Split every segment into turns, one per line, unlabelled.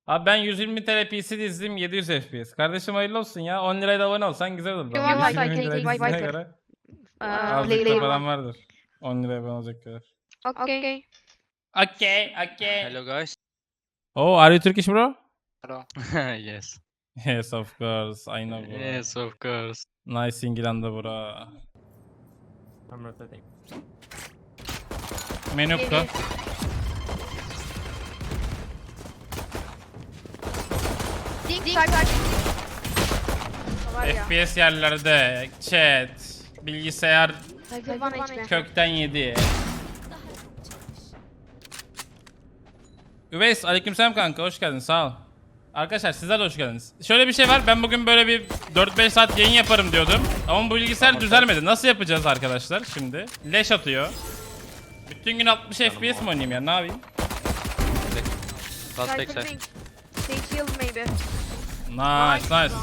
Abi ben 120 TL PC dizdim 700 FPS. Kardeşim hayırlı olsun ya. 10 liraya da abone olsan güzel olur.
Tamam,
120
Viper,
lira
Viper.
dizdiğine göre azıcık da param vardır. 10 liraya abone olacak kadar.
Okay.
Okay.
Hello guys.
Oh, are you Turkish bro?
Yes.
Yes, of course. I know bro.
Yes, of course.
Nice İngilanda bro.
I'm rotating.
Menukka. FPS yerlerde. Chat. Bilgisayar kökten yedi. Üveys aleykümselam kanka, hoş geldin, sağ ol. Arkadaşlar sizler de hoş geldiniz. Şöyle bir şey var, ben bugün böyle bir 4-5 saat yayın yaparım diyordum. Ama bu bilgisayar düzelmedi. Nasıl yapacağız arkadaşlar şimdi? Leş atıyor. Bütün gün 60 FPS mi oynayayım ya, ne yapayım?
Last backside.
Nice.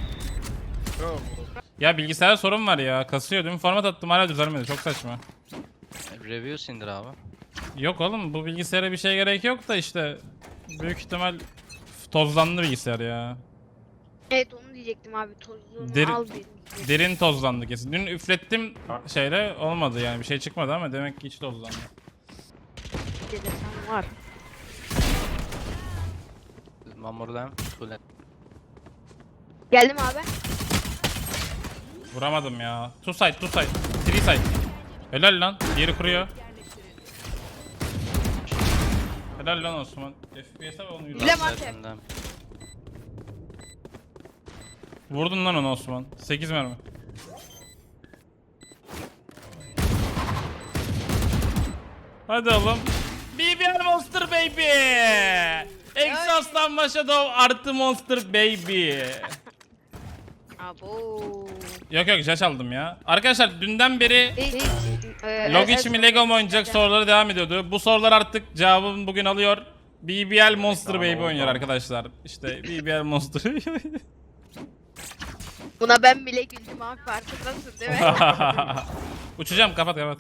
Ya bilgisayarda sorun var ya, kasıyor, dün format attım hala düzelmedi, çok saçma.
Reviews indir abi.
Yok oğlum, bu bilgisayara bir şey gerek yok da işte büyük ihtimal tozlandı bilgisayar ya.
Evet onu diyecektim abi, tozluğunu
Deri-
al bir.
Derin tozlandı kesin. Dün üflettim şeyle, olmadı yani, bir şey çıkmadı ama demek ki hiç tozlandı.
Dedesem var.
One more lamp. Two lamp.
Geldim abi.
Vuramadım ya. Two side. Three side. Helal lan. Diğeri kuruyor. Helal lan Osman. FPS'e ve onu yürü.
Bile-
Last
Lamp.
side and lamp.
Vurdun lan onu Osman. 8 mermi. Hadi oğlum. BBL Monster Baby. Exhaust'tan Shadow artı Monster Baby.
Abo.
Yok Jash aldım ya. Arkadaşlar dünden beri
Hiç.
Logic mi Lego mu oynayacak soruları devam ediyordu. Bu sorular artık cevabını bugün alıyor. BBL Monster
Tamam,
Baby
oldu.
oynuyor arkadaşlar. İşte BBL Monster.
Buna ben bile güldüm abi, farkındasın değil mi?
Uçacağım, kapat.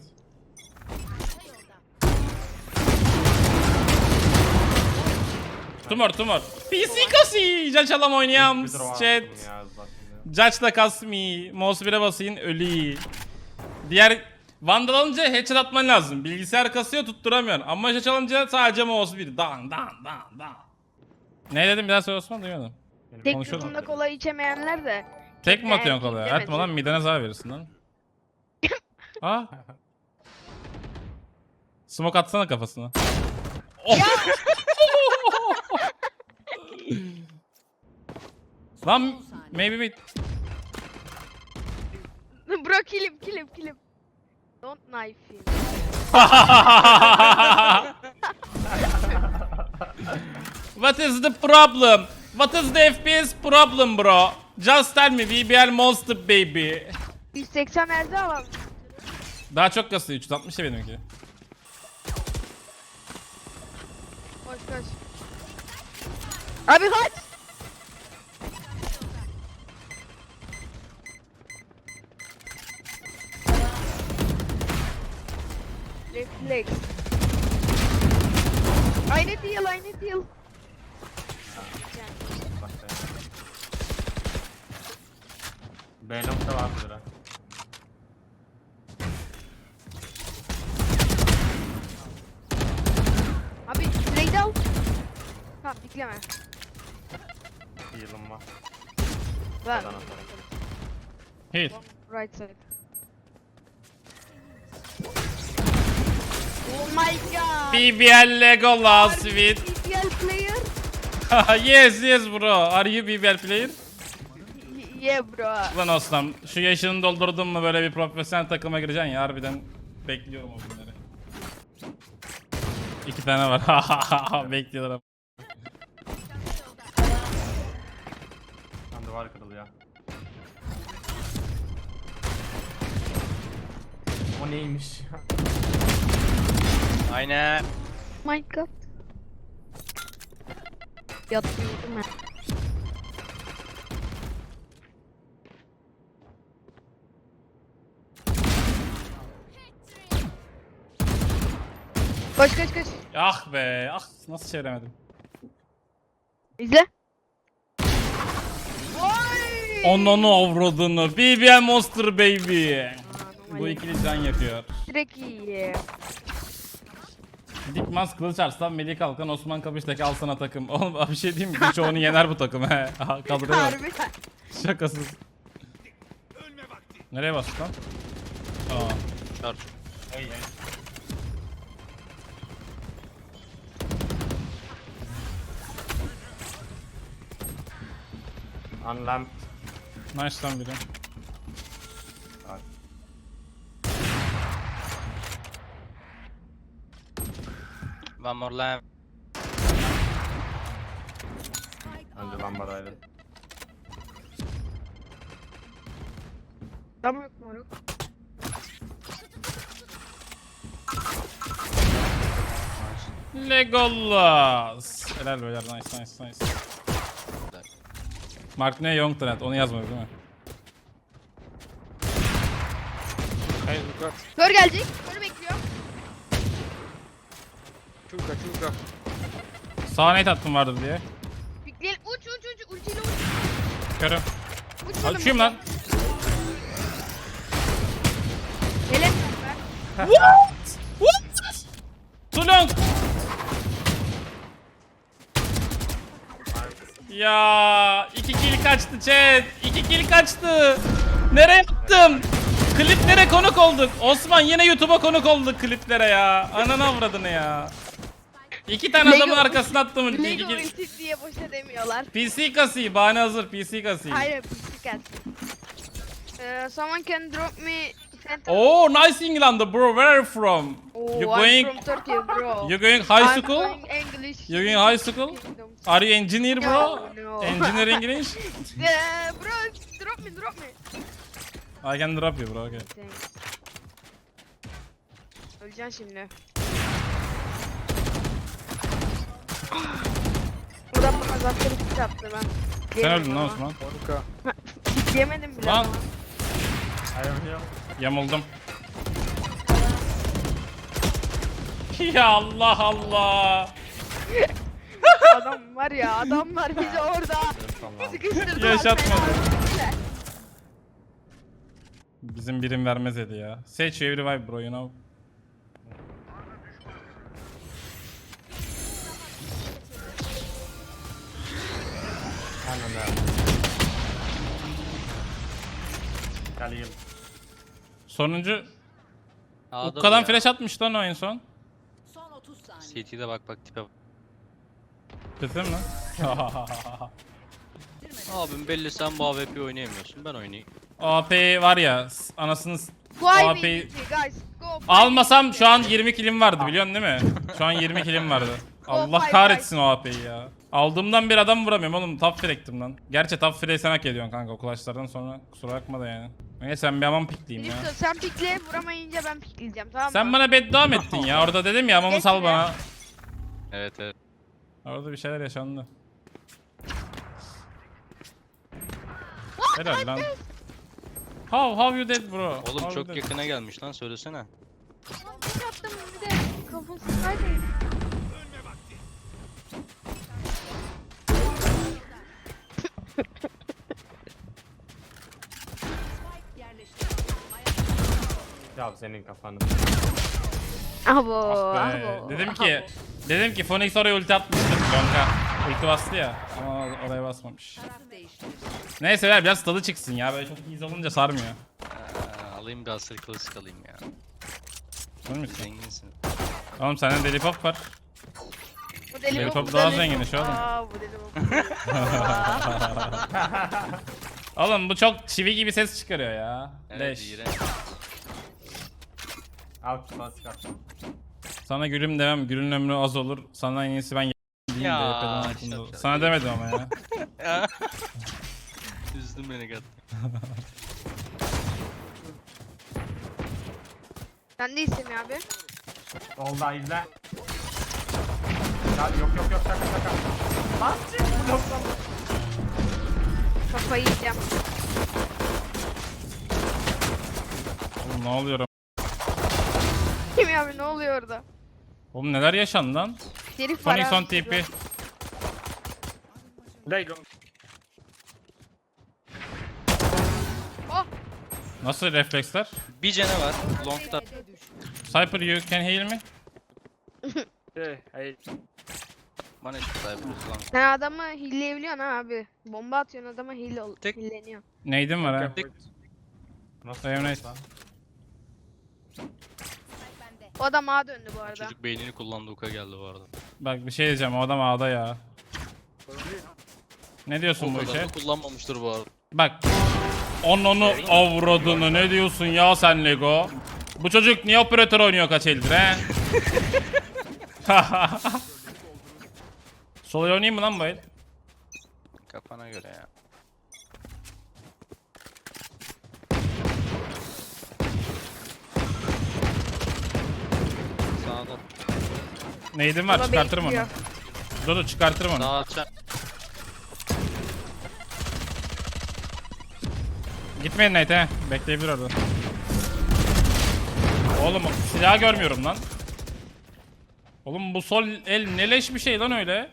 Tumor. PC kasi. Jaç alam oynayam.
Bir draw
Chat.
attım ya zaten.
Jaç da kasmi. Mouse 1'e basayım ölü. Diğer Vandal alınca headshot atman lazım. Bilgisayar kasıyor, tutturamıyorsun. Ama Jaç alınca sadece mouse 1. Dan. Ne dedim bir daha söyle Osman, duymadım.
Tek
Konuşalım.
yudumda kola içemeyenler de.
Tek mi atıyorsun
Erkeğim
kolaya?
demedi.
Ertme lan, midene zarar verirsin lan. Aa. Smoke atsana kafasına. Oh. Lan maybe mid.
Bro kilim. Don't knife him.
What is the problem? What is the FPS problem bro? Just tell me, BBL Monster Baby.
180 nerede alalım?
Daha çok kasıyor, 360 ya benimki.
Koş. Abi kaç. Reflex. Aynı deal.
B-Long'da var bir lira.
Abi trade al. Tamam dikleme.
Heal'ım var.
Ver.
Buradan atarım.
Hit.
Right side. Oh my god.
BBL Legolas with.
BBL player.
Yes bro. Are you BBL player?
Yeah bro.
Lan Osman, şu yaşını doldurdun mu böyle bir profesyonel takıma gireceksin ya, harbiden bekliyorum o günleri. 2 tane var. Bekliyorlar.
Lan duvar kırılıyor. O neymiş?
Aynen.
My god. Yatıyordum ben. Koş.
Ah be, nasıl çeviremedim.
İzle. Vay!
Onunu avradını. BBL Monster baby.
Aa,
Bu
normal.
ikili can yakıyor.
Direkt iyi.
Dikmaz Kılıç Arslan, Melih Kalkan, Osman Kapış'taki al sana takım. Oğlum bir şey diyeyim mi? Birçoğunu yener bu takım he. Aha, kadroya bak.
Harbi.
Şakasız. Nereye bastık lan? Aa.
Charge.
Hey hey. Unlamp.
Nice lan biri.
Right.
One more lamp.
Önce lambadaydı.
Tam yok moruk.
Legolas. Helal beyler, nice nice nice. Mark ne Young Trend, onu yazmadı değil mi?
Hey, look
Kör gelecek. Körü bekliyor.
Chuka, chuka.
Sağa nate attım vardır diye.
Bekleyelim. Uç. Ultiyle uç.
Körüm.
Uç oğlum.
Açayım lan.
Helal ver.
What? Too long. Ya 2 kill kaçtı chat. 2 kill kaçtı. Nereye attım? Kliplere konuk olduk. Osman yine YouTube'a konuk olduk kliplere ya. Ananı avradını ya. 2 tane
Lego-
adamın arkasına attım. İki
Lego
kill.
ulti diye boşa demiyorlar.
PC kasayı, bahane hazır PC kasayı.
Hayır, pislik gelsin. Someone can drop me center.
Oh, nice England bro. Where are you from?
Oh,
You
I'm
going
from Turkey, bro.
You going high
I'm
school?
going English.
You going high school?
Kingdom.
Are you engineer bro?
No, no.
Engineer English?
Bro, drop me.
I can drop you bro. Okay.
Thanks. Öleceksin şimdi. Buradan bana zaten bir yaptı ben.
Sen öldün lan Osman.
Yemedim bile.
Lan.
ama.
I am here.
Yamuldum. Ya Allah Allah.
Adam var ya, adamlar bizi orada sıkıştırdılar.
Yaşatmadı.
fena.
Bizim birim vermez dedi ya. Seç every vibe bro, you know.
Aynen öyle. Gel heal.
Sonuncu
A'da
Ukka'dan
bu ya.
flash atmış lan o en son.
Son 30 saniye.
CT'de bak tipe bak.
Kesin mi?
Abim belli sen bu AWP oynayamıyorsun, ben oynayayım.
AP var ya anasını
Go IB
AP
guys, go.
almasam şu an 20 kilim vardı biliyorsun değil mi? Şu an 20 kilim vardı. Allah
five,
kahretsin o AP'yi ya. Aldığımdan bir adam vuramıyorum oğlum, top frag'tim lan. Gerçi top frag sen hak ediyorsun kanka o clutchlardan sonra, kusura bakma da yani. Neyse sen bir aman pikleyeyim ya.
Neyse, sen pikle, vuramayınca ben pikleyeceğim, tamam mı?
Sen bana beddua mı ettin ya? Orada dedim ya amamı sal
Geçme.
bana.
Evet evet.
Orada bir şeyler yaşandı. Helal lan. How you dead bro?
Oğlum
How you
çok
dead?
yakına gelmiş lan, söylesene.
Bir attım bir de kafasındaydı.
Ya senin kafanı.
Abo,
Ah be.
abo.
Dedim ki Phoenix oraya ulti atmıştır kanka. Ulti bastı ya ama oraya basmamış.
Taraf değiştirir.
Neyse ver biraz tadı çıksın ya, böyle çok iyi olunca sarmıyor.
Alayım bir asır klasik alayım ya.
Değil misin?
Zenginsin.
Oğlum sende deli pop var.
Bu deli
Benim
bu,
top
bu
daha
deli
zengin
bu.
şu oğlum.
Aa, bu deli bu.
Oğlum bu çok çivi gibi ses çıkarıyor ya.
Evet
Leş.
iğrenç.
Al klasik at.
Sana gülüm demem, gülün ömrü az olur. Sana en iyisi ben diyeyim de
Ya,
yapalım altında.
şap şap.
Sana demedim ama ya.
Üzdün beni kat.
Sen değilsin ya abi.
Solda izle. Ya yok şaka. Lan çık bloktan.
Kafayı yiyeceğim.
Oğlum ne oluyor?
Kim ya abi, ne oluyor orada?
Oğlum neler yaşandı lan?
Herif var
Phoenix on
abi,
TP.
They don't.
Nasıl refleksler?
Bir cene var. Long'da.
B'de düştü.
Cypher you can heal me?
Yeah, I.
Bana şu cyber long.
Sen adamı hilleyebiliyorsun ha abi. Bomba atıyorsun adama
Tek-
hilleniyor.
Neydim var ha?
Wait.
Nasıl
Evne-
yapıyorsun lan?
O adam ağa döndü bu arada.
Çocuk beynini kullandı, Uka geldi bu arada.
Bak bir şey diyeceğim, o adam A'da ya. Ne diyorsun
O
bu
kadar
işe?
da kullanmamıştır bu arada.
Bak. Onu avradını ne diyorsun ya sen Lego? Bu çocuk niye operatör oynuyor kaç eldir he? Sol oynayayım mı lan bu el?
Kafana göre ya. Sağda.
Neydim var
Buna
çıkartırım onu.
bekliyor.
Dur çıkartırım onu.
Sağ atacağım.
Gitmeyin Nate he. Bekleyebilir orada. Oğlum silah görmüyorum lan. Oğlum bu sol el ne leş bir şey lan öyle.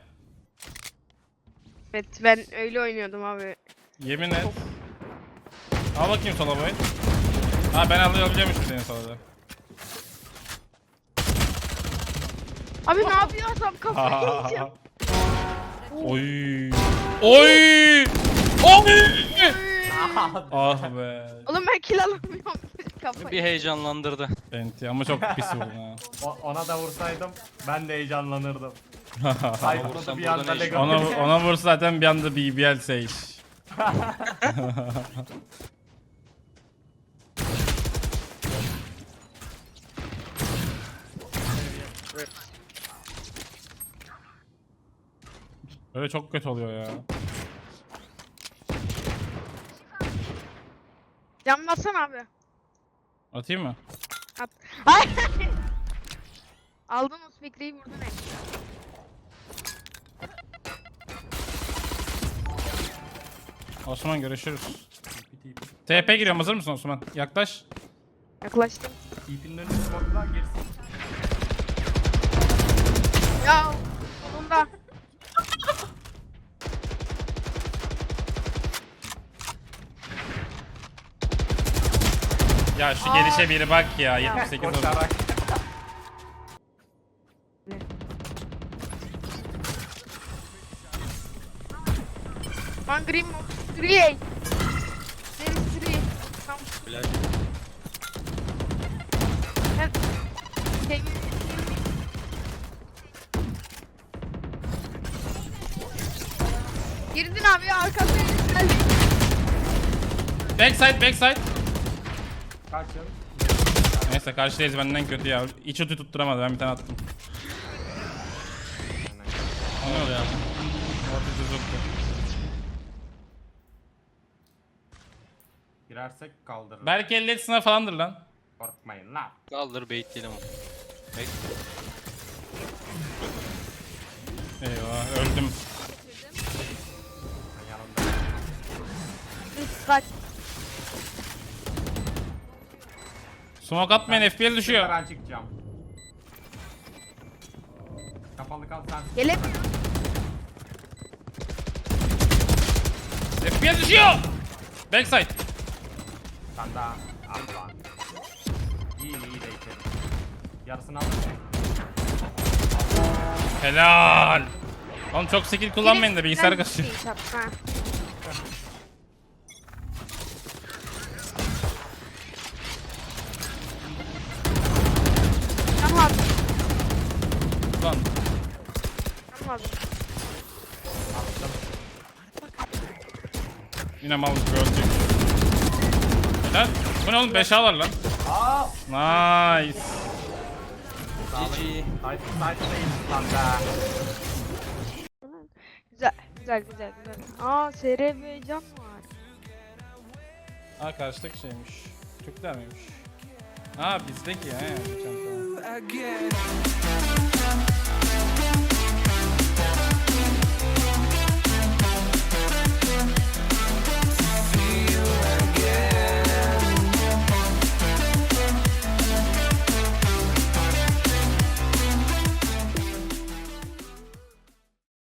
Evet ben öyle oynuyordum abi.
Yemin et. Al bakayım sola boy. Ha ben alabiliyormuşum senin sola da.
Abi ne yapıyor adam kafayı yiyeceğim.
Oy. Oy. Oy. Ah be.
Oğlum ben kill alamıyorum kafayı.
Bir heyecanlandırdı.
Enti ama çok pis vurdun ha.
Ona da vursaydım ben de heyecanlanırdım.
Vursan
Sayfalı bir anda
buradan
Lego.
ona vur zaten bir anda BBL Sage. Böyle çok kötü oluyor ya.
Can bassana abi.
Atayım mı?
At. Hayır. Aldın o spekreyi vurdun hep.
Osman görüşürüz. TP giriyorum, hazır mısın Osman? Yaklaş.
Yaklaştım.
İpin önüne smoke'la girsin.
Ya sonunda.
Ya şu gelişe biri bak ya, 78 oldu.
Koşarak.
One green mo. 3A. There is 3. Tamam.
Flash.
Ben... Girdin abi ya arkasına geldi.
Backside.
Kaç yıl?
Neyse karşıdayız, benden kötü ya. İç utu tutturamadı, ben bir tane attım. O ne oluyor ya? Orta tuttu.
Girersek kaldırırız.
Belki 50 sınıf falandır lan.
Korkmayın lan.
Kaldır, baitleyelim onu. Bek.
Eyvah öldüm.
Ben yanımda.
Kaç.
Smoke atmayın, FPL düşüyor.
Ben çıkacağım. Kapalı kal sen.
Gelemiyor.
FPL düşüyor. Backside.
Sen daha. Al lan. İyi de içerim. Yarısını al.
Helal. Oğlum çok skill kullanmayın da bilgisayar
Birisi
kasıyor.
bir şey yapma. Tamam abi.
Lan.
Tamam abi.
Yine mal gibi öldük. Helal. Bu ne oğlum, 5 ağlar lan.
Aa!
Nice.
GG.
Sight'tayım lan be.
Güzel. Aa SRB can var.
Aa karşıdaki şeymiş. Türkler miymiş? Aa bizdeki ya. Geçen tamam.